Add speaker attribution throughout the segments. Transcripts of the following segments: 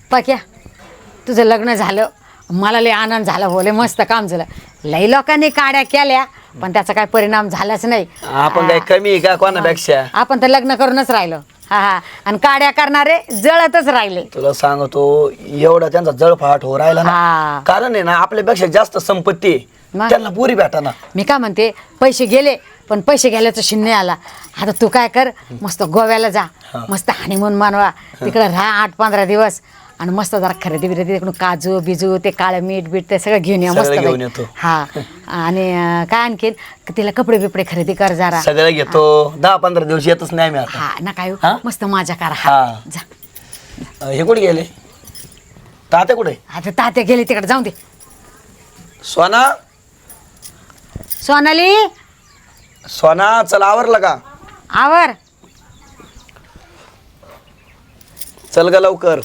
Speaker 1: पाक्या तुझं लग्न झालं मला लय आनंद झाला हो लय मस्त काम झालं लई लोकांनी काड्या केल्या पण त्याचा काय परिणाम झालाच नाही
Speaker 2: आपण काय कमी आहे का कोणापेक्षा
Speaker 1: आपण तर लग्न करूनच राहिलो हा हा आणि काड्या करणारे जळतच राहिले
Speaker 2: तुला सांगतो एवढा त्यांचा जळफाट हो राहिला ना कारण आहे ना आपल्यापेक्षा जास्त संपत्ती आहे. त्यांना पुरी भेटाना
Speaker 1: मी काय म्हणते पैसे गेले पण पैसे गेल्याचा शिन्ने आला आता तू काय कर मस्त गोव्याला जा मस्त हनीमून मानवा तिकडे राहा 8-15 दिवस आणि मस्त जरा खरेदी बिरेदी तिकडून काजू बिजू ते काळं मीठ बीठ ते सगळं घेऊन या मस्त हा आणि काय आणखीन तिला कपडे बिपडे खरेदी कर जरा
Speaker 2: सगळं घेतो 10-15 दिवस येतच नाही मी आता
Speaker 1: हा ना काय मस्त मजा करा हा जा
Speaker 2: हे कुठे गेले तात्या कुठे
Speaker 1: आता तात्या गेले तिकडे जाऊन दे
Speaker 2: सोना
Speaker 1: सोनाली
Speaker 2: सोना चल आवरलं का
Speaker 1: आवर
Speaker 2: चल ग लवकर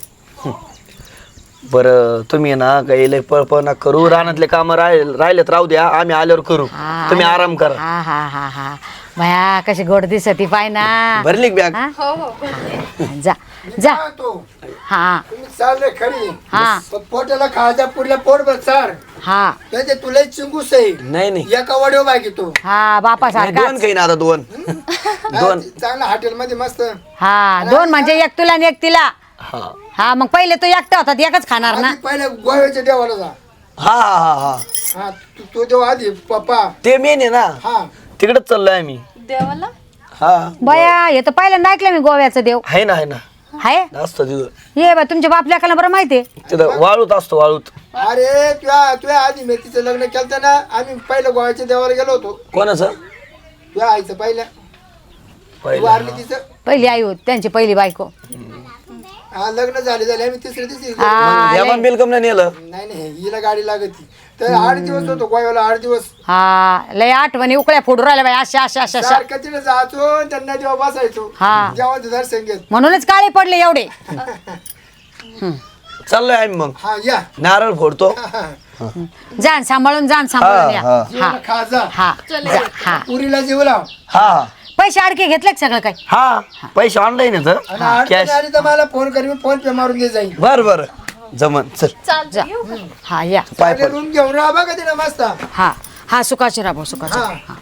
Speaker 2: बरं तुम्ही ना काही लय पळपळ ना करू रानातले काम राहिलेत राहू द्या आम्ही आल्यावर करू तुम्ही आराम करा
Speaker 1: हा हा हा हा भया कशी गोड दिसती पाय ना
Speaker 2: भरली बॅग
Speaker 1: जा जा हा
Speaker 3: चालले खरी
Speaker 1: हा
Speaker 3: पोटाला खायचा पुढल्या पोट बसार
Speaker 1: हा
Speaker 3: त्याचे तुला चिंगूस आहे
Speaker 2: नाही नाही
Speaker 3: एका वडीव बाकी तू
Speaker 1: हा बापा सारखा
Speaker 2: दोन काही ना आता दोन
Speaker 3: चांगला हॉटेल मध्ये मस्त
Speaker 1: हा दोन म्हणजे एक तुला आणि एक तिला
Speaker 2: हा
Speaker 1: हा मग पहिले तो एकटा होता एकच खाणार ना
Speaker 3: आधी पहिले गोव्याच्या देवाला जा
Speaker 2: हा हा हा
Speaker 3: हा तू देव आधी पप्पा
Speaker 2: ते मेन आहे ना
Speaker 3: हा
Speaker 2: तिकडेच चाललोय आम्ही
Speaker 4: देवाला
Speaker 2: हा
Speaker 1: बया हे तर पहिल्यांदा ऐकलं मी गोव्याचं देव
Speaker 2: आहे ना
Speaker 1: हाय
Speaker 2: असतो तिथं
Speaker 1: ये बा तुमच्या बाप लेकाला बरं माहितीये
Speaker 2: तिथं वाळूत असतो वाळूत
Speaker 3: अरे तुझ्या आधी मी तिचं लग्न केलं ना आम्ही पहिलं गोव्याच्या देवाला गेलो होतो
Speaker 2: कोणाचं
Speaker 3: तुझ्या आईचं पहिल्या तू
Speaker 2: पहिलं
Speaker 3: वारली तिचं
Speaker 1: पहिली आई होत त्यांची पहिली बायको
Speaker 3: हा लग्न झाले आम्ही तिसरी
Speaker 1: हा
Speaker 2: यामान बिलकम नाही नेलं
Speaker 3: नाही हिला गाडी लागत तर 8 दिवस होतो गोव्याला 8 दिवस
Speaker 1: हा लय आठवणी उकळ्या फोडू राहिल्या बाई अशा अशा अशा अशा
Speaker 3: सारखं तिथे जायचो त्यांना जेव्हा बसायचो
Speaker 1: हा.
Speaker 3: जेव्हा दर्शन घेत
Speaker 1: म्हणूनच काळे पडले एवढे
Speaker 2: चाललोय आम्ही मग
Speaker 3: हा या
Speaker 2: नारळ फोडतो
Speaker 1: जाण सांभाळून या
Speaker 2: हा.
Speaker 1: हा
Speaker 3: खा जा
Speaker 1: हा जा, हा
Speaker 3: पुरीला जीव लाव
Speaker 2: हा
Speaker 1: पैसे अडके घेतले का सगळं काही
Speaker 2: हा पैसे ऑनलाईन
Speaker 3: आणि
Speaker 2: येत
Speaker 3: अडचण
Speaker 2: कॅश
Speaker 3: आली तर मला फोन कर मी फोन पे मारून दे जाईल
Speaker 2: बर जमन चल
Speaker 4: चालतं
Speaker 1: जा
Speaker 4: येऊ का?
Speaker 1: हा या
Speaker 2: पाय पड
Speaker 3: रूम घेऊन राहा बघा तिला मस्त
Speaker 1: हा हा सुखाचे राबो सुखाचे
Speaker 3: हा.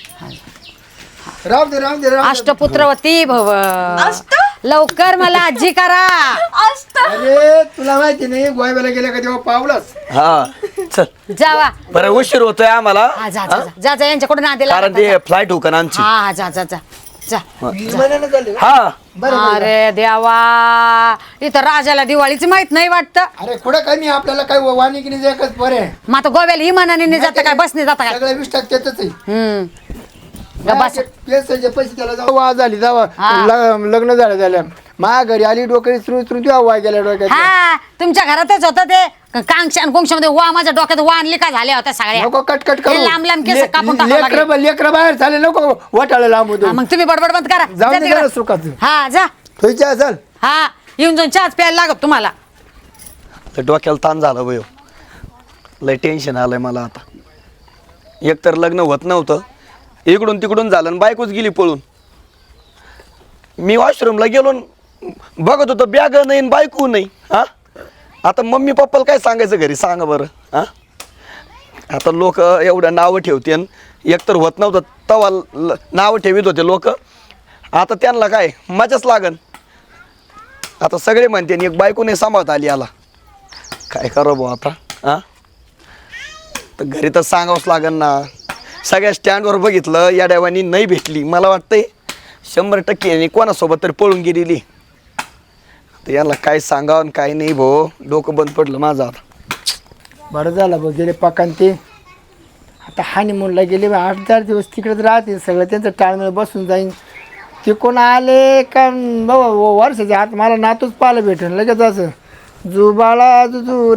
Speaker 3: राहू दे
Speaker 1: अष्टपुत्रवती भव लवकर मला आजी करा
Speaker 3: अरे तुला माहिती नाही गोव्याला गेल्या का तेव्हा पावलाच
Speaker 2: हा चल
Speaker 1: जावा
Speaker 2: बरं उशीर होतोय आम्हाला
Speaker 1: हा जा जा जा जा यांच्याकडून आधी
Speaker 2: कारण ते फ्लाईट होकन आमची
Speaker 1: हा हा जा जा जा जा
Speaker 3: विमानानं झाले
Speaker 2: हा
Speaker 1: अरे देवा इथं राजाला दिवाळीच माहित नाही वाटतं
Speaker 3: अरे कुठं कमी आपल्याला काय वाणी की नाही एकच बरे
Speaker 1: मग आता गोव्याला इमानाने जाता काय बसने जाता काय
Speaker 3: सगळं 20% त्याच आहे
Speaker 1: बस
Speaker 3: पैसे त्याला जाऊ वा झाली जावा
Speaker 1: हा.
Speaker 3: लग्न झाल्या माझ्या घरी आली डोक्यात सुरू तुझ्या वाय गेल्या डोक्यात
Speaker 1: हा तुमच्या घरातच होतं ते कांक्षा मध्ये वा माझ्या डोक्यात वा लिका झाल्या होत्या सगळ्या
Speaker 3: नको कटकट
Speaker 1: हे लांब लांब केस कापून टाकावं लागेल.
Speaker 3: लेकर बाहेर झाले नको वटाळा लांब होतो
Speaker 1: हा, मग तुम्ही बडबड बंद करा
Speaker 3: जाऊ
Speaker 1: जा
Speaker 3: दे
Speaker 1: तिकडं.
Speaker 3: जरा सुखाचं
Speaker 1: हा जा
Speaker 3: तुझ्या असेल
Speaker 1: हा येऊन जाऊन चहाच प्यायला लागत तुम्हाला
Speaker 2: लय डोक्याला ताण झाला बयो लय टेन्शन आलंय मला आता एक तर लग्न होत नव्हतं इकडून तिकडून झालं आणि बायकोच गेली पळून मी वॉशरूमला गेलो न बघत होतो बॅग नाही न बायको नाही हा आता मम्मी पप्पाला काय सांगायचं घरी सांगा बरं हा आता लोक एवढं नावं ठेवते एक तर होत नव्हतं तवा नावं ठेवीत होते लोक आता त्यांना काय मजाच लागन आता सगळे म्हणते एक बायको नाही सांभाळता आली याला काय करा भाऊ आता हा तर घरी तर सांगावंच लागन ना सगळ्या स्टँडवर बघितलं या डायवानी नाही भेटली मला वाटतंय 100% कोणासोबत तरी पळून गेलेली तर याला काय सांगावं आणि काय नाही भाऊ डोकं बंद पडलं माझं आता
Speaker 3: बरं झालं बघ गेले पकान ते आता हानिमूनला गेले 8-4 दिवस तिकडेच राहते सगळं त्यांचं टाळमेळ बसून जाईन ते कोण आले का बाबा वर्षाच्या आत मला नातूच पाहायला भेटेल लगेच असं जुबाळा जुजू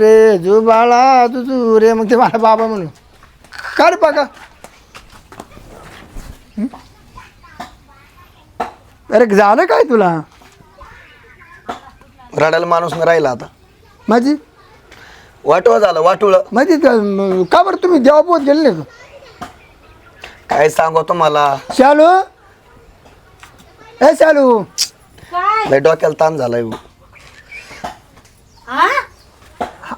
Speaker 3: रे मग ते मला बाबा म्हणून का रे पका अरे झालं काय तुला
Speaker 2: रडायला माणूस नाही राहिला आता
Speaker 3: माझी
Speaker 2: वाटोळं झालं वाटोळं
Speaker 3: माझी का बरं तुम्ही देवापोत गेले नाही का
Speaker 2: काय सांगू तुम्हाला
Speaker 3: शालू ए शालू
Speaker 2: लय डोक्याला ताण झालाय भाऊ.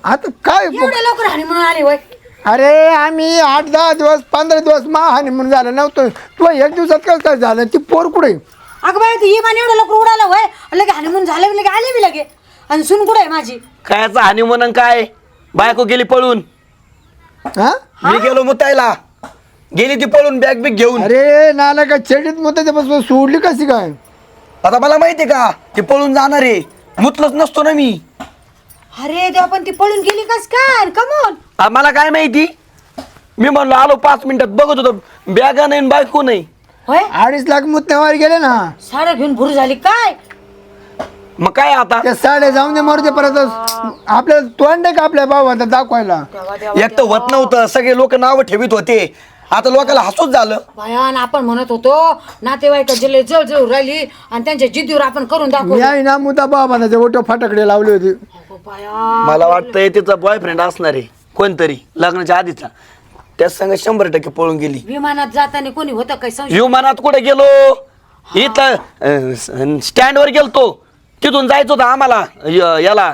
Speaker 3: आता काय
Speaker 1: एवढ्या लवकर हानी म्हणून आले होय.
Speaker 3: अरे आम्ही 8-10 दिवस 15 दिवस हानी म्हणून झालं नव्हतं. तुला एक दिवसात कसं काय झालं? ती पोर कुठे?
Speaker 1: अगं बाई ती इमान एवढं लवकर उडालं होय. लगे हानी म्हणून झालं लगे आले बी लगे. आणि सुन कुठे आहे माझी?
Speaker 2: कायचा हानी म्हणून काय बायको गेली पळून.
Speaker 3: हा
Speaker 2: मी गेलो मुतायला गेली ती पळून बॅग बिग घेऊन.
Speaker 3: अरे नाला का चेडीत मग त्याच्यापासून सोडली कशी काय?
Speaker 2: आता मला माहितीये का ती पळून जाणार आहे. मुतलंच नसतो ना मी.
Speaker 1: अरे देवा पण ती पळून गेली कस काय? कमोन
Speaker 2: मला काय माहिती. मी म्हणलो आलो 5 मिनिटात बघत होतो बॅगा नाही बायको नाही.
Speaker 1: होय
Speaker 3: 2.5 लाख मुत्तेवारी गेले ना.
Speaker 1: साड्या घेऊन भूर झाली काय?
Speaker 2: मग काय आता
Speaker 3: त्या साड्या जाऊन दे मरते परत आपल्याला तोंड आहे का आपल्या भावाला दाखवायला?
Speaker 1: देवा देवा
Speaker 2: एक तर होत नव्हतं सगळे लोक नाव ठेवीत होते. आता लोकांना हसूच झालं.
Speaker 1: भयान आपण म्हणत होतो नातेवाईक जिल्हे जळजळ राहिली आणि त्यांच्या जिद्दीवर आपण करून
Speaker 3: मी
Speaker 1: दाखवलं.
Speaker 3: आहे ना मुद्दा बाबाचे ओटो फाटाकडे लावले होते.
Speaker 1: अगं बाया.
Speaker 2: मला वाटतंय तिचा बॉयफ्रेंड असणार आहे कोणतरी लग्नाच्या आधीचा. त्याच संग 100% पळून गेली.
Speaker 1: विमानात जाताना कोणी होतं काय संशय?
Speaker 2: विमानात कुठे गेलो इथं स्टँडवर गेलतो. तिथून जायचं होतं आम्हाला याला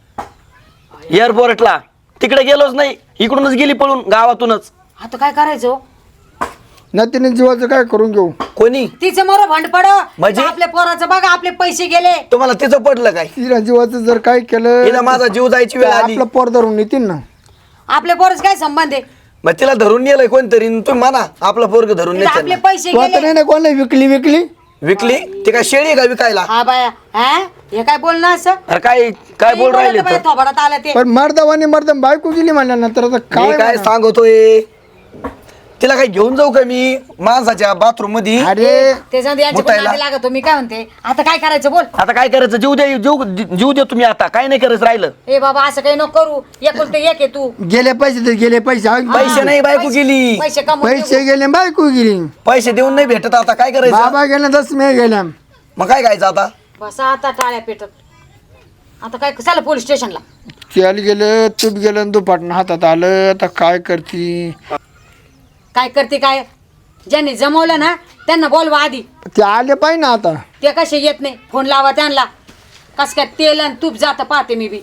Speaker 2: एअरपोर्टला. तिकडे गेलोच नाही. इकडूनच गेली पळून गावातूनच.
Speaker 1: आता काय करायचं?
Speaker 3: नतीने जीवाचं काय करून घेऊ?
Speaker 2: कोणी
Speaker 1: तिचं मोर भंड पड
Speaker 2: म्हणजे?
Speaker 1: आपल्या पोराचं बघा आपले पैसे गेले.
Speaker 2: तुम्हाला तिचं पडलं काय?
Speaker 3: तिला जीवाचं जर काय केलं
Speaker 2: तिला माझा जीव जायची वेळ आली.
Speaker 3: आपलं पोर धरून येतील ना.
Speaker 1: आपल्या पोराचं काय संबंध आहे?
Speaker 2: मग तिला धरून नेलंय कोणतरी. तुम्ही म्हणा आपला पोरग धरून
Speaker 1: तिला आपले
Speaker 2: नेत
Speaker 1: पैसे
Speaker 3: तू आता
Speaker 1: गेले.
Speaker 3: नाही ना कोणाला विकली
Speaker 2: विकली. ती काय शेळी आहे का विकायला?
Speaker 1: हा बाया हा हे काय बोलणं असं?
Speaker 2: अरे काय बोल राहिले तर?
Speaker 1: थोबडात आलं ते.
Speaker 3: पण मर्दावाने बायको गेली म्हणल्यानंतर आता
Speaker 2: मी
Speaker 3: काय
Speaker 2: काय
Speaker 3: म्हणा?
Speaker 2: सांगतोय तिला काय घेऊन जाऊ का मी माणसाच्या बाथरूम मध्ये?
Speaker 3: अरे
Speaker 1: ते जाऊन यांच्या
Speaker 2: मुतायला.
Speaker 1: नादी लागतो. मी काय म्हणते आता काय करायचं बोल.
Speaker 2: आता काय करायचं? जीव दे तुम्ही. आता काय नाही करायचं राहिलं.
Speaker 1: ए बाबा असं काही नको करू. एकुलते एक आहे तू.
Speaker 3: गेले पैसे तर गेले पैसे
Speaker 2: पैसे नाही बायको गेली.
Speaker 1: पैसे कमवून
Speaker 3: पैसे गेले बायको गेली.
Speaker 2: पैसे देऊन नाही भेटत. आता काय करायचं?
Speaker 3: बाबा गेला 10 मे गेल्या.
Speaker 2: मग काय खायचं आता?
Speaker 1: बसा आता टाळ्या पेटत. आता काय चला पोलीस स्टेशनला.
Speaker 3: तेल गेलं तूप गेलं दुपाटणं हातात आलं. आता काय करती?
Speaker 1: काय करते काय? ज्यांनी जमवलं ना त्यांना बोलवा आधी.
Speaker 3: ते आले पाहिजे ना आता.
Speaker 1: ते कसे येत नाही. फोन लावा त्यांना. कस काय तेल आणि तूप जातं पाहते मी बी.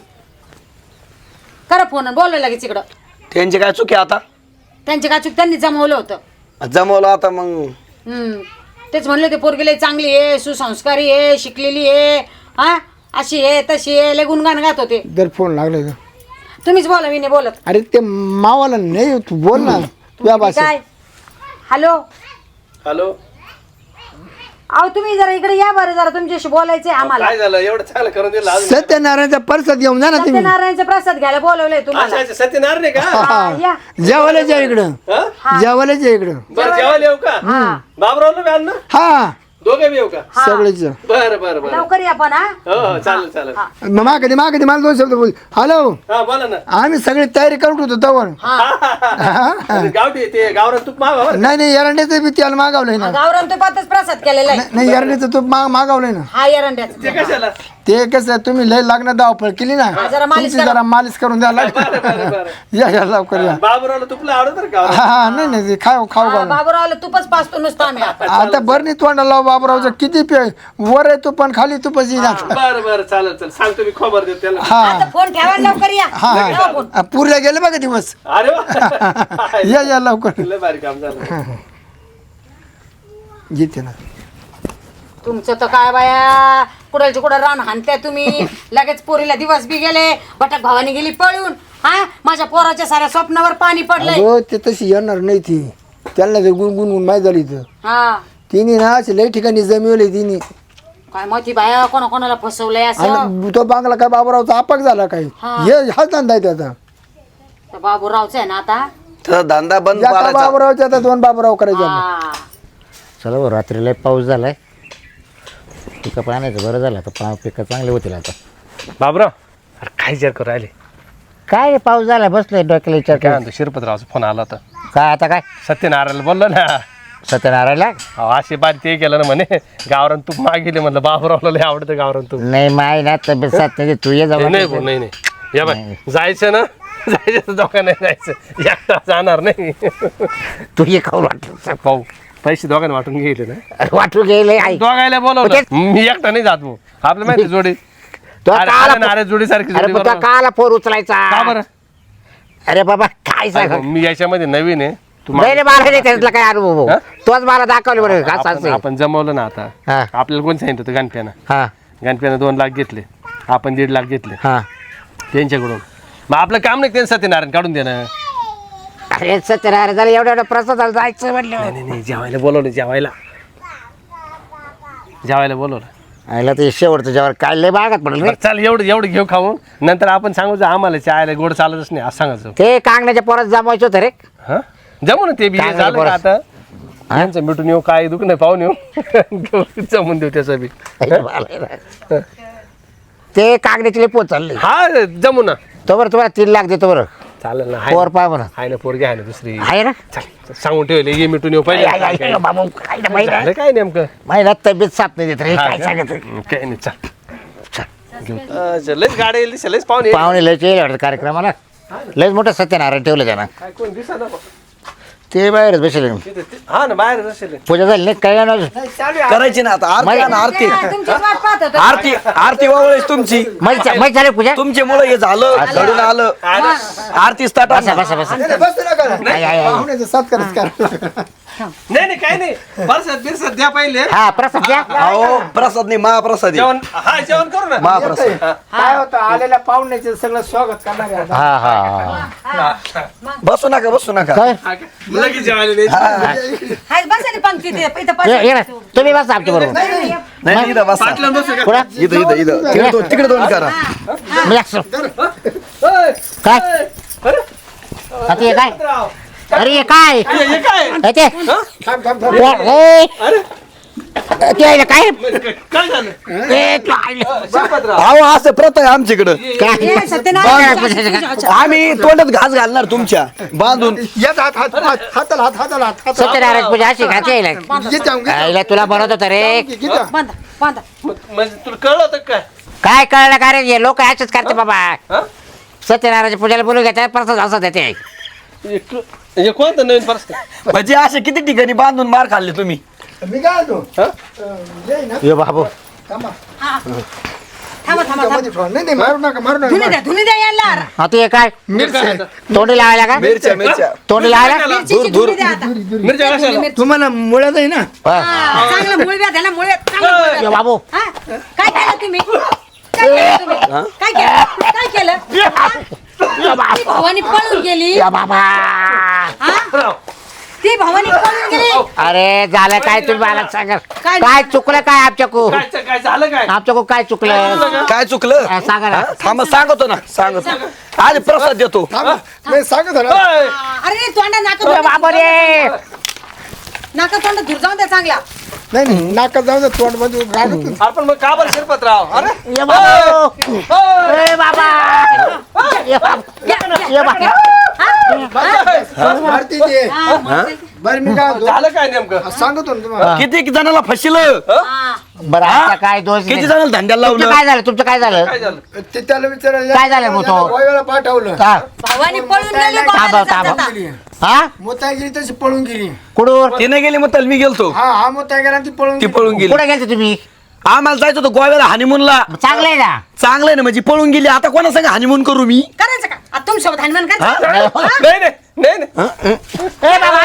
Speaker 1: करा फोन आणि बोलवा लगेच इकडं.
Speaker 2: त्यांची काय चुकी आता?
Speaker 1: त्यांची का चूक त्यांनी जमवलं होतं.
Speaker 2: जमवलं आता मग.
Speaker 1: तेच म्हणले ते पोरगीला चांगली आहे सुसंस्कारी आहे शिकलेली आहे हा अशी आहे तशी आहे लय गुणगान गात होते.
Speaker 3: जर फोन लागले तर
Speaker 1: तुम्हीच बोला मी नाही बोलत.
Speaker 3: अरे ते मावाला नाही तू बोल ना तुझ्या भाषेत.
Speaker 1: काय हॅलो
Speaker 4: हॅलो
Speaker 1: अहो तुम्ही जरा इकडे या बरं जरा तुमच्याशी बोलायचंय आम्हाला.
Speaker 4: काय झालं एवढं चांगलं करून दिलं अजून
Speaker 3: सत्यनारायणचा परसाद घेऊन जा ना तुम्ही.
Speaker 1: सत्यनारायणचा प्रसाद घ्यायला बोलवलंय तुम्हाला.
Speaker 4: अच्छा, अच्छा, सत्यनारायण आहे का
Speaker 1: हा, या.
Speaker 3: जेवायलाच या इकडं.
Speaker 4: हा?
Speaker 3: जेवायलाच या इकडं.
Speaker 4: बरं जेवायला येऊ का बाबरावला बी आणलं
Speaker 3: हा
Speaker 4: दोघे बी येऊ का
Speaker 3: सगळेच.
Speaker 4: बरं बरं बरं
Speaker 1: लवकर या पण हा.
Speaker 4: हो हो चालेल चालेल
Speaker 3: मागधी मला 2 शब्द बोल. हॅलो
Speaker 4: हा बोला ना
Speaker 3: आम्ही सगळी तयारी करून होतो तवर.
Speaker 4: गावठी ते गावरान तूप मागा बरं
Speaker 3: नाही एरंड्याचं बी तेल मागवलंय ना.
Speaker 1: गावरान तुपातच प्रसाद केलेला आहे.
Speaker 3: नाही एरंड्याचं तूप मागवलंय ना.
Speaker 1: हा एरंड्याचा.
Speaker 4: ते कशाला
Speaker 3: ते कसं तुम्ही लय लागणार धावपळ केली ना.
Speaker 1: जरा मालिश
Speaker 3: तुमची जरा मालिश करून द्या
Speaker 4: बरं बरं बरं
Speaker 3: या लवकर या.
Speaker 4: बाबरावला तुपला आवडत बरं का
Speaker 3: हा नाही ते खाऊ
Speaker 1: हा, बाबूरावला तुपच पाचतो नुसतं आम्ही आता.
Speaker 3: आता बरं तोंडा लाव बाबरावचं किती पे वर आहे तू पण खाली तू पशी जा.
Speaker 4: बरं बरं चालेल चालेल सांगतो मी खबर देतो त्याला
Speaker 3: हा
Speaker 1: आता फोन ठेवा लवकर या. ठेवा फोन.
Speaker 3: हा पुरल्या गेले बघा दिवस.
Speaker 4: अरे वा
Speaker 3: या लवकर
Speaker 4: लय भारी काम झालं
Speaker 3: येते ना.
Speaker 1: तुमचं तर काय बाया कुडालची कुठं रान हाणताय तुम्ही. लगेच पोरीला दिवस बी गेले भटक भावानी गेली पळून. हा माझ्या पोराच्या साऱ्या स्वप्नावर पाणी पडलंय.
Speaker 3: अगं ते तशी येणार नाही ती. त्यांना ते गुणगुण माहीत झाली तर
Speaker 1: हा
Speaker 3: तिने ना असे लई ठिकाणी जमिवले तिने.
Speaker 1: काय माहिती बाया कोणाला फसवलंय असं.
Speaker 3: आणि तो बांगला काय बाबूरावचा आपाक झाला काय
Speaker 1: हा.
Speaker 3: हा धंदा आहे त्याचा.
Speaker 1: तर बाबूरावचं आहे ना आता.
Speaker 2: तर धंदा बंद
Speaker 3: एका
Speaker 2: करायचा.
Speaker 3: बाबूरावच्या आता 2 बाबूराव करायचे आता.
Speaker 1: हा.
Speaker 5: चला बरं रात्रीला पाऊस झालाय पिकं पाण्याचं बरं झालं आता पिकं चांगले होतील आता.
Speaker 4: बाबराव अरे काय विचार करू राहिले
Speaker 5: काय पाऊस झाला बसलोय डोक्याला विचार
Speaker 4: काय
Speaker 5: कर.
Speaker 4: म्हणतो शिरपतरावचा फोन आला होता
Speaker 5: काय आता काय
Speaker 4: सत्यनारायणला बोललो ना
Speaker 5: सत्यनारायणला
Speaker 4: असे बारी ते केलं ना म्हणे गावरान तूप मागितले म्हणलं बाबरावला लय आवडतं गावरान तूप
Speaker 5: नाही माय ना तब्येत साथ नाही तू ये जाऊ
Speaker 4: नाही भाऊ, नाही नाही या बाय जायचं ना जायचं तर दोघं नाही जायचं एकटा जाणार नाही
Speaker 5: तू ये खाऊ वाटलं
Speaker 4: पाहू पैसे दोघांना वाटून गेले ना
Speaker 5: वाटू गेले आई
Speaker 4: दोघायला बोलवलं मी एकटा नाही जात भाऊ आपलं माहिती जोडी अरे जोडीसारखी
Speaker 5: अरे
Speaker 4: जोडी
Speaker 5: पण
Speaker 4: बरोबर.
Speaker 5: काला फोन उचलायचा
Speaker 4: का बरं
Speaker 5: अरे बाबा काय सांग
Speaker 4: अरे, मी याच्यामध्ये नवीन आहे
Speaker 5: नाही रे, मला नाही त्यातला काय अनुभव
Speaker 4: हा?
Speaker 5: तोच मला दाखवले बरं का
Speaker 4: आपण
Speaker 5: असं
Speaker 4: आपण जमवलं ना आता
Speaker 5: हा
Speaker 4: आपल्याला कोण सांगितलं होतं गणप्यानं
Speaker 5: हा
Speaker 4: गणप्यानं 2 लाख घेतले आपण 1.5 लाख घेतले
Speaker 5: हा
Speaker 4: त्यांच्याकडून मग आपलं काम नाही त्यांचं सत्यनारायण काढून देणं
Speaker 5: अरे सत्यनारायण झालं एवढ्या प्रसाद जायचं म्हटलं
Speaker 4: नाही जेवायला बोलवलं जेवायला बोलवलं
Speaker 5: आयला ते शेवटचं जेव्हा काय लय बागात पडलं रे
Speaker 4: बरं, चल एवढं घेऊ खाऊन नंतर आपण सांगू आम्हाला चायला गोड चालतच नाही असं सांगायचं
Speaker 5: ते कांगण्याच्या पोरात जमवायचं होतं रे
Speaker 4: हा जमू ना ते बी
Speaker 5: काय
Speaker 4: झालं का
Speaker 5: बरं.
Speaker 4: आता यांचं मिटून येऊ काय दुख नाही पाहून येऊ जमून देऊ त्याचं बी
Speaker 5: ते कांगण्याचे लय पोत चालले
Speaker 4: हा जमू ना
Speaker 5: तो बरं तुम्हाला 3 लाख देतो बरं
Speaker 4: चालेल ना
Speaker 5: पोर पाय म्हणा
Speaker 4: आहे ना पोरगी आहे ना दुसरी
Speaker 5: आहे ना
Speaker 4: चल सांगून ठेवले ये मिटून येऊ
Speaker 5: आई, आई,
Speaker 4: पहिले
Speaker 5: आई, बाबा, काय ना माहिती
Speaker 4: झालं काय नेमकं
Speaker 5: महिन्यात तब्येत साथ नाही देत रे
Speaker 4: हा
Speaker 5: काय
Speaker 4: का?
Speaker 5: सांगत
Speaker 4: काय नाही चल लयच गाडी येईल लयच पाहुणे
Speaker 5: पाहुणे लयच येईल वाटतं कार्यक्रमाला लयच मोठं सत्यनारायण ठेवलं त्यांना
Speaker 4: काय कोण दिसना
Speaker 5: ते बाहेरच बसले
Speaker 4: हा ना बाहेर असेल
Speaker 5: पूजा झाली नाही काय ना
Speaker 2: करायची ना आता आरती आहे ना, आरती
Speaker 1: तुमची वाट पाहत होतो.
Speaker 2: आरती वावळीच तुमची
Speaker 5: माहिती झाली पूजा
Speaker 2: तुमच्यामुळे हे झालं घडून आलं आरती स्टार्ट
Speaker 5: बसा बसा बसा
Speaker 3: बसू नका
Speaker 5: आई, आई, आई.
Speaker 3: पाहुण्याचं सत्कारच करा
Speaker 4: नाही काय नाही परसाद बिरसाद द्या पहिले
Speaker 5: हा प्रसाद द्या
Speaker 2: अहो प्रसाद नाही महाप्रसाद आहे.
Speaker 4: जेवण करू ना
Speaker 2: महाप्रसाद
Speaker 3: काय होतं आलेल्या पाहुण्याचे सगळं स्वागत करणार आहे आता.
Speaker 5: हा हा
Speaker 2: बसू नका
Speaker 5: काय
Speaker 4: लगेच जेवायला द्यायचं.
Speaker 1: हाय, बसा रे पंक्तीत, इथं
Speaker 5: ये ना तुम्ही बसा आमच्या बरोबर
Speaker 2: नाही इथं बसा
Speaker 4: पाटलां बसू का?
Speaker 5: कुठं
Speaker 2: इथं तिकडे दोन करा
Speaker 5: मी असं. काय आता हे काय अरे हे काय
Speaker 4: हे काय
Speaker 5: हे ते
Speaker 3: थांब थांब थांब
Speaker 5: ए, ते आहे ना काय
Speaker 4: काय झालं
Speaker 5: ए, काय
Speaker 4: शिरपतराव
Speaker 2: अहो असं प्रथा आहे आमच्याकडं
Speaker 5: काय
Speaker 1: ए, सत्यनारायण
Speaker 2: आम्ही तोंडात घास घालणार तुमच्या बांधून
Speaker 3: येत हाताला हात
Speaker 5: सत्यनारायण पूजा अशी घाती यायला
Speaker 3: घे जाऊन घे
Speaker 5: आईला तुला बनवत होतं रे
Speaker 3: घे जाऊन.
Speaker 1: बांधा बांधा
Speaker 4: म्हणजे तुला कळलं होतं काय
Speaker 5: काय कळलं का रे हे लोक असेच करते बाबा
Speaker 4: हा?
Speaker 5: सत्यनारायणच्या पूजाला बोलू घेतात प्रसाद असं देते
Speaker 4: हे कोणतं नवीन परस
Speaker 2: म्हणजे असे किती ठिकाणी बांधून मार खाल्ले तुम्ही
Speaker 3: मी काय होतो ये ना
Speaker 5: ये बाबू
Speaker 3: थांबा
Speaker 1: थांबा थांबा
Speaker 3: मध्ये ठेवा. नाही मारू नका
Speaker 1: धुनी द्या यायला
Speaker 5: आता हे काय तोंडी लावायला का
Speaker 2: मिरच्या
Speaker 5: तोंडी लावायला
Speaker 1: मिरचीची धुनी द्या आता.
Speaker 4: मिरच्या कशाला
Speaker 3: तुम्हाला मुळ्यात आहे ना
Speaker 5: हा.
Speaker 1: हा, चांगलं मूळ द्या त्याला मूळ चांगलं मूळ द्या.
Speaker 5: ये बाबू
Speaker 1: हा? काय केलं तुम्ही काय केलं तुम्ही काय केलं ती भवानी पळून गेली
Speaker 5: या बाबा
Speaker 1: हा? ती भवानी पळून गेली
Speaker 5: अरे झालं काय तुम्ही मला सांगा
Speaker 1: काय
Speaker 5: काय चुकलं काय आमच्याकू
Speaker 4: काय झालं काय
Speaker 5: आमच्याकू काय चुकलं
Speaker 2: काय चुकलं
Speaker 5: हा, सांगा ना
Speaker 2: हा? थांबा सांगतो ना सांगतो आज प्रसाद देतो
Speaker 3: थांबा मी सांगत होतो ना.
Speaker 1: अरे तोंडा
Speaker 5: ए बाबू रे
Speaker 1: नाका तोंड धूर जाऊन द्या चांगला
Speaker 3: नाही नाका जाऊ दे तोंड मध्ये रागत
Speaker 4: आपण मग का बरं शिरपतराव अरे
Speaker 5: ये बाबू ए बाबा ये बाबा ये बाबा
Speaker 3: मारती ते बरं मी काय होतो
Speaker 4: झालं काय नेमकं
Speaker 3: सांगतो ना तुम्हाला
Speaker 2: किती जणाला फसिलं
Speaker 5: बरं आता काय दोष
Speaker 2: किती
Speaker 5: नाही.
Speaker 2: जणाला धंद्याला
Speaker 5: तुमचं
Speaker 2: लावलं
Speaker 5: काय झालं तुमचं काय झालं
Speaker 4: काय झालं
Speaker 3: ते त्याला विचारायला
Speaker 5: काय झालं मग तो?
Speaker 3: गोव्याला पाठवलं
Speaker 5: हा
Speaker 1: भवानी पळून गेली
Speaker 5: थांबा
Speaker 1: गोव्याला जाता
Speaker 5: थांबा
Speaker 1: जाता.
Speaker 5: हा
Speaker 3: मोताई गेली तशी पळून गेली
Speaker 5: कुडूर
Speaker 2: तिने गेली मग मी गेलतो
Speaker 3: हा मोताई गेला ती पळून
Speaker 2: ती
Speaker 3: गेली.
Speaker 2: पळून गेली
Speaker 5: कुठे गेलते तुम्ही
Speaker 2: आम्हाला जायचं होतं गोव्याला हनीमूनला
Speaker 5: चांगलं आहे ना
Speaker 2: चांगलं आहे ना म्हणजे पळून गेली आता कोणा सांगा हनीमून करू मी
Speaker 1: करायचं का आता तुमच्यासोबत हनुमान करायचं
Speaker 4: नाही
Speaker 5: ए बाबा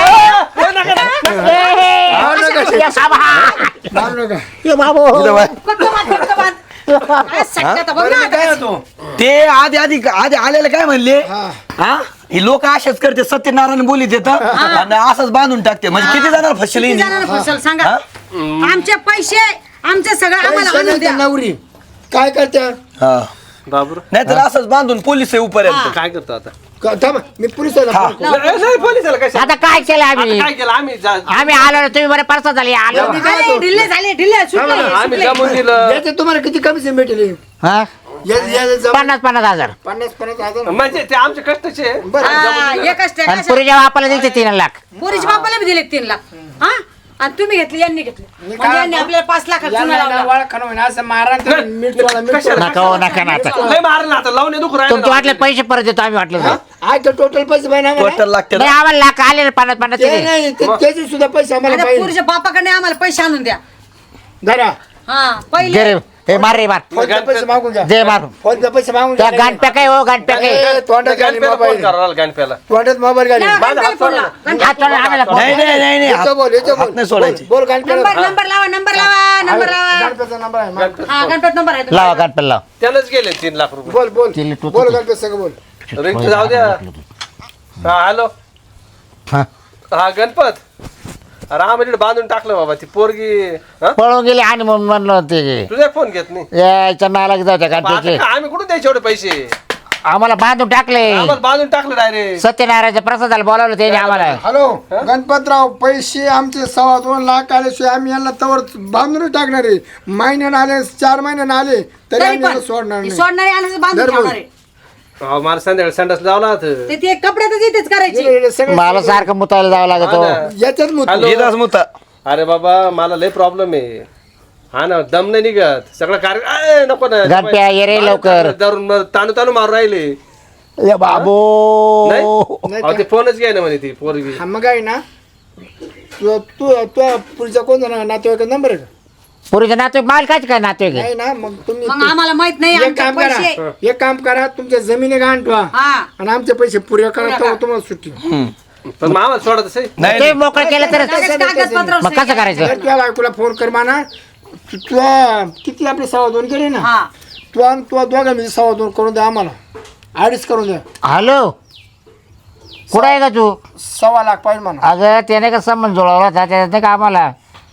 Speaker 3: मारू नका.
Speaker 5: ए बाबा
Speaker 3: मारू नका.
Speaker 5: ए बाबू
Speaker 2: इथं बाय.
Speaker 1: कोणतं बांध, कोणतं बांध? काय सट्ट्यात बघ
Speaker 3: बरं
Speaker 1: ना
Speaker 3: मी काय
Speaker 1: आता.
Speaker 3: होतो
Speaker 2: ते आधी आलेले काय म्हणले
Speaker 3: हा
Speaker 2: हा ही लोक असेच करते सत्यनारायण बोलीत येतात आणि असंच बांधून टाकते म्हणजे किती जणांना फसले
Speaker 1: किती जणांना फसवलं सांगा आमचे पैसे आमचे सगळं आम्हाला
Speaker 3: पैसे
Speaker 1: आणून
Speaker 3: नाही
Speaker 1: द्या
Speaker 3: त्या नवरी काय करत्या
Speaker 4: बाबर
Speaker 2: नाही तर असंच बांधून पोलीस येऊपर्यंत
Speaker 4: काय करतो आता
Speaker 3: थांबा मी पोलिसाला
Speaker 2: हा.
Speaker 3: फोन करतो.
Speaker 4: नाही, पोलिसाला काय
Speaker 5: आता काय केलं आम्ही
Speaker 4: काय केलं आम्ही
Speaker 5: आम्ही आलो ना तुम्ही बरं परसा झाली आलो
Speaker 1: अरे, ढिल्ले झाले ढिल्ले सुटले,
Speaker 4: आम्ही
Speaker 1: सुटले.
Speaker 4: जमून दिलं
Speaker 3: याचे तुम्हाला किती कमिशन भेटेल
Speaker 5: हा
Speaker 3: याचे जमा-
Speaker 5: 50,000
Speaker 3: 50 हजार
Speaker 4: म्हणजे ते आमच्या कष्टाचे
Speaker 1: हा, एकच
Speaker 5: आणि
Speaker 1: टाका.
Speaker 5: पुरी जेव्हा आपल्याला दिलते 3 लाख
Speaker 1: पोरीच्या बापाला बी दिले 3 लाख हा आणि तुम्ही घेतले यांनी घेतले म्हणजे यांनी आपल्याला 5 लाख चुना लावला
Speaker 3: असं मारा मीठ वाला मीठ
Speaker 4: कशाला?
Speaker 5: नका हो नका ना आता
Speaker 4: लय मारलं आता लावणे दुखू
Speaker 5: तुमचे
Speaker 4: राहिले
Speaker 5: वाटले पैसे परत देतो आम्ही वाटलं तर.
Speaker 3: आज टोटल पैसे पाहिजे आम्हाला
Speaker 2: टोटल लागते
Speaker 5: नाही आम्हाला लाख आले ना 50
Speaker 3: ते नाही त्याचे सुद्धा पैसे आम्हाला
Speaker 1: आता
Speaker 3: पाहिजे
Speaker 1: पोरीच्या बापाकडे आम्हाला पैसे आणून द्या
Speaker 3: धरा
Speaker 1: हा पहिले
Speaker 5: गरीब हे मार रे मार
Speaker 3: फोनचे पैसे मागून घ्या
Speaker 5: दे मारून
Speaker 3: फोनचे पैसे मागून
Speaker 5: त्या
Speaker 3: घ्या
Speaker 5: गांठ्या काय हो गांठ्या काय
Speaker 3: तोंडात घाली
Speaker 4: गणप्याला फोन
Speaker 3: मोबाईल
Speaker 4: करायला गणप्याला
Speaker 3: तोंडात मोबाईल घाली
Speaker 4: माझा हात सोडा ना.
Speaker 5: हात सोडा, आम्हाला फोन.
Speaker 2: नाही नाही नाही नाही
Speaker 3: याचं बोल याचं
Speaker 2: हात नाही
Speaker 3: बोल
Speaker 2: सोडायचे.
Speaker 3: बोल गणपती
Speaker 1: नंबर लावा नंबर लावा
Speaker 3: गणपतीचा नंबर आहे माग.
Speaker 1: हा गणपत नंबर आहे
Speaker 5: लावा गांठ्या लाव
Speaker 4: त्यालाच गेले 3 लाख रुपये
Speaker 3: बोल बोल
Speaker 5: तिला टोचू
Speaker 3: बोल
Speaker 5: दे.
Speaker 3: गणपती सगळं बोल
Speaker 4: रिंग जाऊ द्या हा हॅलो
Speaker 5: हा.
Speaker 4: हा गणपत अरे आम्हाला बांधून टाकलं बाबा ती पोरगी हा
Speaker 5: पळून गेले आणि म्हणून म्हणलं ते
Speaker 4: तुझा फोन घेत नाही
Speaker 5: याच्या नाला जायच्या
Speaker 4: आता
Speaker 5: गांठ्याचे
Speaker 4: काय आम्ही कुठून द्यायचे एवढे पैसे
Speaker 5: आम्हाला बांधून टाकले
Speaker 4: आम्हाला बांधून टाकलं डायरेक्ट
Speaker 5: सत्यनारायणच्या प्रसादाला बोलावलं त्याने आम्हाला
Speaker 3: हॅलो गणपतराव पैसे आमचे 2.25 लाख आल्याशिवाय आम्ही यांना तवर बांधून टाकणार आहे महिन्यानं आले 4 महिन्यानं आले तरी
Speaker 1: तरी
Speaker 3: आम्ही यांना
Speaker 1: पण
Speaker 3: सोडणार नाही
Speaker 1: सोडणारे आणायचं बांधून
Speaker 3: दररोज.
Speaker 1: ठेवणारे
Speaker 4: मला संध्याकाळी संडास लावला होता.
Speaker 1: ते कपड्यातच इथेच करायची
Speaker 3: हे सगळे-
Speaker 5: मला सारखं मुतायला जावं लागत
Speaker 4: हा ना.
Speaker 3: याच्यात मुत
Speaker 4: हॅलो.
Speaker 2: येतात मुता
Speaker 4: अरे बाबा मला लय प्रॉब्लेम आहे हा ना दम नाही निघत सगळं कार्य नको ना
Speaker 5: गणप्या ये रे लवकर
Speaker 4: धरून ताणू ताणू मारून राहिले
Speaker 5: ए बाबो
Speaker 4: नाही
Speaker 3: नाही
Speaker 4: अहो, ते फोनच घ्याय ना म्हणे ती पोरगी
Speaker 3: हा मग आहे ना तू तू तू पुढचा कोण जाणार नातेवाईक नंबर आहे का
Speaker 5: पुरीचं नातू माल काय नातू आहे
Speaker 3: नाही ना मग तुम्ही
Speaker 1: मग आम्हाला माहित नाही
Speaker 3: एक
Speaker 1: आमचे
Speaker 3: काम
Speaker 1: पैसे
Speaker 3: करा एक काम करा तुमच्या जमिनी गहाण ठेवा
Speaker 1: हा
Speaker 3: आणि आमचे पैसे पुरे करा तेव्हा तुम्हाला सुट्टी
Speaker 4: पण मामा सोडत असे
Speaker 2: नाही
Speaker 5: ते मोकळं केलं तर
Speaker 1: लगेच कागदपत्रावर
Speaker 5: मग कसं करायचं
Speaker 3: जर तुझ्या बायकोला फोन कर माना तू किती आपले 2.25 केले ना
Speaker 1: हा
Speaker 3: तू आणि तू दोघा मी 2.25 करून द्या आम्हाला 2.5 करून द्या
Speaker 5: हॅलो कुठं आहे का तू
Speaker 3: 1.25 लाख पाहिजे म्हणा
Speaker 5: अगं त्याने का संबंध जुळवला होता त्याच्यात नाही का आम्हाला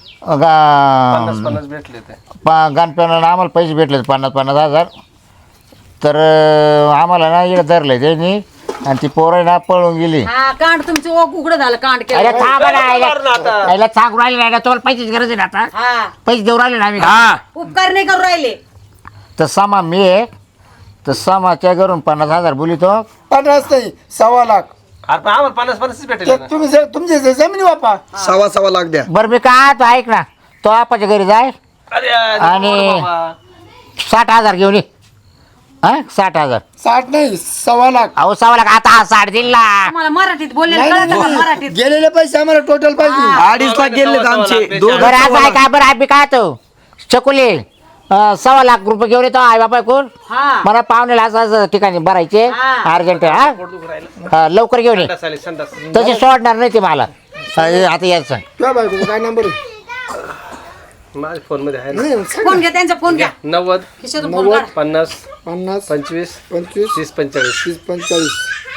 Speaker 4: 50 भेटले ते
Speaker 5: गणपतीला आम्हाला पैसे भेटले 50,000 तर आम्हाला ना इकडे धरलं त्यांनी आणि ती पोरं ना पळून गेली
Speaker 1: हा कांड तुमचं उघडं झालं कांड
Speaker 5: अरे
Speaker 1: केलं
Speaker 5: थांबा ना
Speaker 4: मार ना आता.
Speaker 5: याला सांगून राहिले नाही ना तुम्हाला पैसेची गरज आहे ना आता
Speaker 1: हा
Speaker 5: पैसे देऊ राहिले ना आम्ही
Speaker 2: हा
Speaker 1: उपकार नाही करू राहिले
Speaker 5: तर सामा मी आहे तर सामाच्या घरून 50,000 बोलितो
Speaker 3: 50 नाही 1.25 लाख
Speaker 4: अरे पण आम्हाला 50 भेटले
Speaker 3: ते
Speaker 4: ना.
Speaker 3: तुम्ही तुमची जमिनी वापा
Speaker 2: 1.25 लाख द्या
Speaker 5: बरं मी काय तो ऐक ना तो आपाच्या घरी जाय
Speaker 4: अरे
Speaker 5: आणि-
Speaker 4: नको बाबा.
Speaker 5: 60,000 घेऊन ये हा 60,000
Speaker 3: 60 नाही 1.25 लाख
Speaker 5: अहो 1.25 लाख आता हा 60 दिला
Speaker 1: मला मराठीत बोललेलं
Speaker 3: नाही,
Speaker 1: कळतं का
Speaker 3: नाही.
Speaker 1: मराठीत
Speaker 3: गेलेले पैसे आम्हाला टोटल पाहिजे
Speaker 2: 2.5 लाख गेलेत आमचे
Speaker 5: बरं आज आहे का बरं आम्ही काय तो चकुले 1.25 लाख रुपये घेऊन येतो आई बापा कोण
Speaker 1: हा
Speaker 5: मला पाहुण्याला असं असं ठिकाणी भरायचे
Speaker 1: हा.
Speaker 5: अर्जंट हा
Speaker 4: पोट दुखू राहिलं.
Speaker 5: हा, लवकर घेऊन ये
Speaker 4: संडास आली, संडास.
Speaker 5: तसे सोडणार नाही ते मला आता यायचं
Speaker 3: तुझ्या बायकोचा काय नंबर आहे
Speaker 4: माझ्या फोन मध्ये आहे ना
Speaker 3: नाही, सांग
Speaker 1: फोन घ्या त्यांचा फोन घ्या
Speaker 4: 90
Speaker 1: खिशातून फोन काढा.
Speaker 4: 50
Speaker 3: 50
Speaker 4: 25
Speaker 3: 25
Speaker 4: 30 45
Speaker 3: 30 45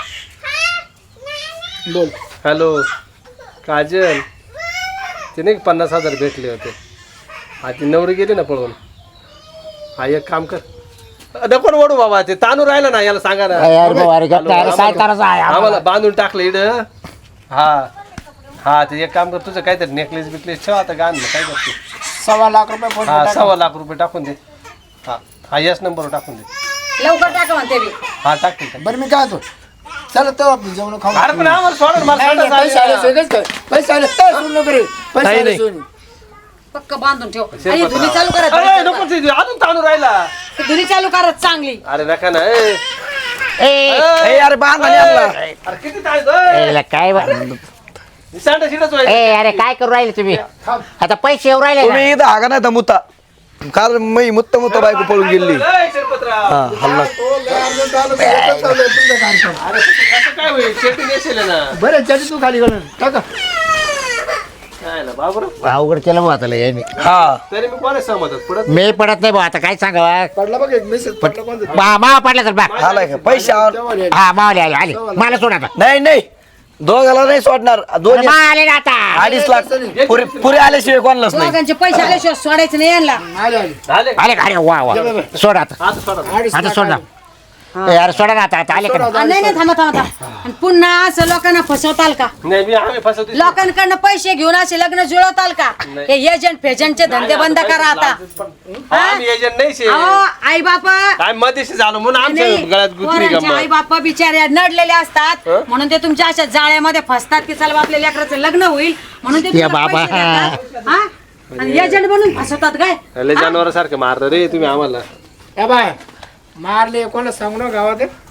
Speaker 3: बोल
Speaker 4: हॅलो काजल तिने 50,000 भेटले होते हा ती नवरी गेली ना पळून हा एक काम कर नको ना ओढू बाबा ते ताणू राहिलं ना याला सांगा ना
Speaker 5: अरे बाबा, अरे गप्पा, अरे सायताराचा आहे आम्हाला.
Speaker 4: आम्हाला बांधून टाकलं इड हा हा ते एक काम कर तुझं काहीतरी नेकलेस बिकलेस ठेव आता गाण काय करते
Speaker 3: 1.25 लाख रुपये फोन
Speaker 4: हा 1.25 लाख रुपये टाकून दे हा हा याच नंबरवर टाकून दे
Speaker 1: लवकर टाका म्हणते मी
Speaker 4: हा टाकते
Speaker 3: बरं मी काय होतो चला तो आपण जेवण खाऊ
Speaker 4: अरे पण आम्हाला सोडा ना, मला
Speaker 3: नाही, नाही,
Speaker 4: संडास
Speaker 3: पैसे आले
Speaker 4: आली.
Speaker 3: सगळेच काय पैसे आले तर सोडून नको रे. पैसे
Speaker 2: नाही,
Speaker 3: आले
Speaker 2: नाही.
Speaker 3: सोडून.
Speaker 1: पक्क बांधून ठेव आणि धुनी चालू
Speaker 4: अरे
Speaker 1: करत
Speaker 4: नको ते अजून ताणू राहिला
Speaker 1: धुनी चालू करत चांगली
Speaker 4: अरे नका ना ए.
Speaker 5: ए,
Speaker 2: ए अरे बांध आणि आणला.
Speaker 4: अरे किती ताण
Speaker 5: ए, काय
Speaker 4: संडास इडच व्हायचं.
Speaker 5: ए अरे काय करू राहिले तुम्ही आता पैसे येऊ राहिले ना.
Speaker 2: तुम्ही इथं हागा नाही तर मुता कारण मी मुत्त बायको पळून गेली
Speaker 4: ए, शिरपतराव.
Speaker 2: हा हल्ला
Speaker 3: तो लय अर्जंट आलं तर एकच चाललंय तुमचं कार्यक्रम.
Speaker 4: अरे कसं काय होईल शेवटी नेसेल ना
Speaker 3: बरं त्याची तू खाली घालून टाका
Speaker 4: काय ना बाबर
Speaker 5: अवघड केलं भाऊ आता लय यांनी.
Speaker 2: हा
Speaker 4: तरी मी कोणा सहमत पुढे
Speaker 5: मी पडत नाही भाऊ आता काय सांगावा
Speaker 3: पडला बघ एक मेसेज पडला कोणतं
Speaker 5: मावा पडला तर बा
Speaker 2: आलाय का पैसे
Speaker 3: तेव्हा आले.
Speaker 5: हा मावले आले आले मला सोड आता
Speaker 2: नाही नाही दोघाला नाही सोडणार दोन
Speaker 5: मा आले ना आता
Speaker 2: 2.5 लाख पुरे आल्याशिवाय कोणालाच नाही
Speaker 1: दोघांचे पैसे आल्याशिवाय सोडायचं नाही यांना
Speaker 3: आले आले
Speaker 4: झाले
Speaker 5: आले अरे वा वा सोड आता
Speaker 4: आता सोडा
Speaker 3: 2.5
Speaker 5: आता
Speaker 3: लाख
Speaker 5: सोड ना
Speaker 3: आले.
Speaker 5: ए, अरे सोडा ना आता आले का
Speaker 3: सोडा.
Speaker 1: नाही नाही थांबा थांबा थांबा आणि पुन्हा असं लोकांना फसवताल का
Speaker 4: नाही मी आम्ही फसवतो
Speaker 1: लोकांकडनं पैसे घेऊन असे लग्न जुळवताल का हे एजंट फेजंटचे धंदे बंद करा आता
Speaker 4: आम्ही एजंट नाही शे
Speaker 1: आई बाप
Speaker 4: काय मध्यस्थी झालो म्हणून आमच्या गळ्यात गुतली
Speaker 1: आई
Speaker 4: गंमत
Speaker 1: बाप्पा बिचारे नडलेले असतात म्हणून ते तुमच्या अशा जाळ्यामध्ये फसतात की चला आपल्या लेकराचं लग्न होईल म्हणून ते
Speaker 5: या
Speaker 1: तुला
Speaker 5: बाबा.
Speaker 1: पैसे देतात. हा? आणि एजंट बनून फसवतात काय
Speaker 4: लय जनावर सारखं मारलं रे तुम्ही आम्हाला
Speaker 3: ए बाय मारले कोणाला सांगू ना गावात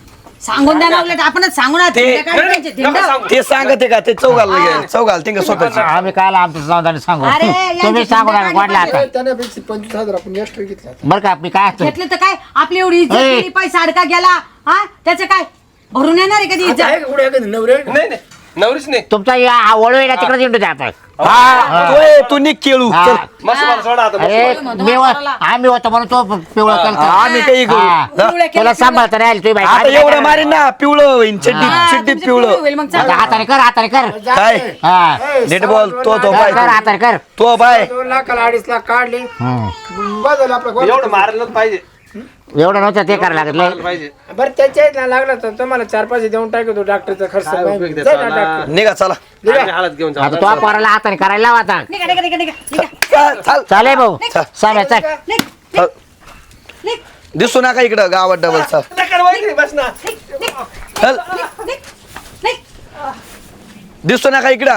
Speaker 1: सांगून द्या ना उलट आपणच सांगू ना
Speaker 2: ते-
Speaker 1: धिंड काय त्यांचे, धिंड.
Speaker 2: ते सांगते का ते चौ घालते का स्वतःची
Speaker 5: आम्ही काल आमचं समाधान सांगू
Speaker 1: अरे, यांची
Speaker 5: तुम्ही सांगू नका
Speaker 1: चिंता
Speaker 5: वाटलं आता
Speaker 3: त्याने 25,000 आपण एक्स्ट्रा घेतला
Speaker 5: बरं का मी काय असतं
Speaker 1: घेतलं तर काय आपली एवढी इज्जत
Speaker 5: ए.
Speaker 1: गेली, पैसा अडका गेला हा त्याचं काय भरून येणार आहे कधी
Speaker 3: आता
Speaker 1: इज्जत
Speaker 3: आहे का कुठे एखादी नवरे
Speaker 4: नाही नाही नवरीच नाही
Speaker 5: तुमचा या वळू आहे ना तिकडे येऊन जाता
Speaker 2: तू निघ केळू
Speaker 5: हा.
Speaker 2: चल
Speaker 4: मस्त मला सोडा आता
Speaker 5: अरे
Speaker 1: म्हणतो
Speaker 5: मी
Speaker 1: म्हाताराला.
Speaker 5: आम्ही होतो म्हणून तो पिवळा केलता.
Speaker 2: आम्ही काही करू
Speaker 5: हा.
Speaker 2: जा.
Speaker 1: पिवळं केलं,
Speaker 5: तुला सांभाळता नाही आली तुझी बाई
Speaker 2: आता
Speaker 5: आम्ही
Speaker 2: एवढं
Speaker 5: काय
Speaker 2: मारीन ना पिवळं होईन चिड्डी
Speaker 1: हा,
Speaker 2: चिड्डी
Speaker 1: तुमचं
Speaker 2: पिवळं
Speaker 1: होईल मग
Speaker 5: करणार?
Speaker 1: चला.
Speaker 5: हाताने कर हाताने कर
Speaker 2: काय
Speaker 5: हा
Speaker 2: नीट बोल तो
Speaker 5: कर
Speaker 2: बाय
Speaker 5: कर, हाताने कर
Speaker 2: तो बाय
Speaker 3: 2 लाखाला 2.5 लाख काढले
Speaker 5: हम्म.
Speaker 3: बदल आपलं
Speaker 4: एवढं मारलंच पाहिजे
Speaker 5: एवढं नव्हतं ते करायला लागलं
Speaker 4: मारलं पाहिजे
Speaker 3: बरं त्याच्या लागला तर तुम्हाला 4-5 देऊन टाकतो डॉक्टरचा खर्च
Speaker 4: काय उपयोग
Speaker 3: जा
Speaker 4: त्याचा
Speaker 3: ना
Speaker 4: ना?
Speaker 3: डॉक्टर.
Speaker 2: निघा चला
Speaker 4: आम्ही हालत घेऊन
Speaker 5: आता
Speaker 4: जाऊ
Speaker 5: तो पोराला हाताने करायला लावा आता
Speaker 1: निघा निघा निघा निघा निघा
Speaker 2: चल चल
Speaker 5: चालेल भाऊ साम्या चल
Speaker 1: निघ
Speaker 2: चल.
Speaker 1: निघ
Speaker 2: दिसू नका इकडं गावात डबल चल
Speaker 4: बस ना
Speaker 2: चल
Speaker 1: निघ निघ
Speaker 2: दिसू नका इकडं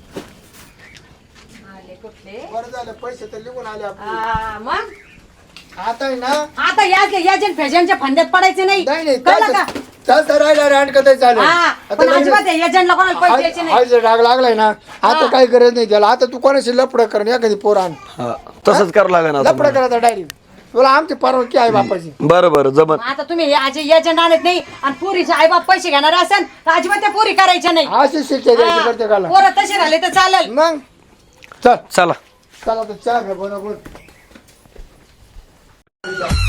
Speaker 3: बरं झालं पैसे तर निघून आले आपले.
Speaker 1: मग
Speaker 3: आता आहे ना
Speaker 1: आता एजंट फेजंटच्या फंद्यात पडायचे नाही
Speaker 3: नाही
Speaker 1: कळलं का
Speaker 3: चालतं राहिला रांड कसं चालेल
Speaker 1: हा पण अजिबात एजंटला कोणाला पैसे द्यायचे नाही
Speaker 3: आज राग लागलाय ना आता काही गरज नाही त्याला आता तू कोणाशी लपड कर एखादी पोर आण
Speaker 2: हा, तसंच करावं लागेल
Speaker 3: लपड
Speaker 2: आता
Speaker 3: करायचा डायरेक्ट तुला आमची परवानगी आहे बापाची
Speaker 2: बरं बरं जमत
Speaker 1: मग आता तुम्ही आज एजंट आणत नाही आणि पुरीचे आई बाप पैसे घेणार असेल तर अजिबात त्या पुरी करायच्या नाही
Speaker 3: अशी शिक्षा द्यायची प्रत्येकाला
Speaker 1: पोरं तसे राहिले तर चालेल
Speaker 3: मग चल
Speaker 2: चला
Speaker 3: चला तर चहा घ्या बनवून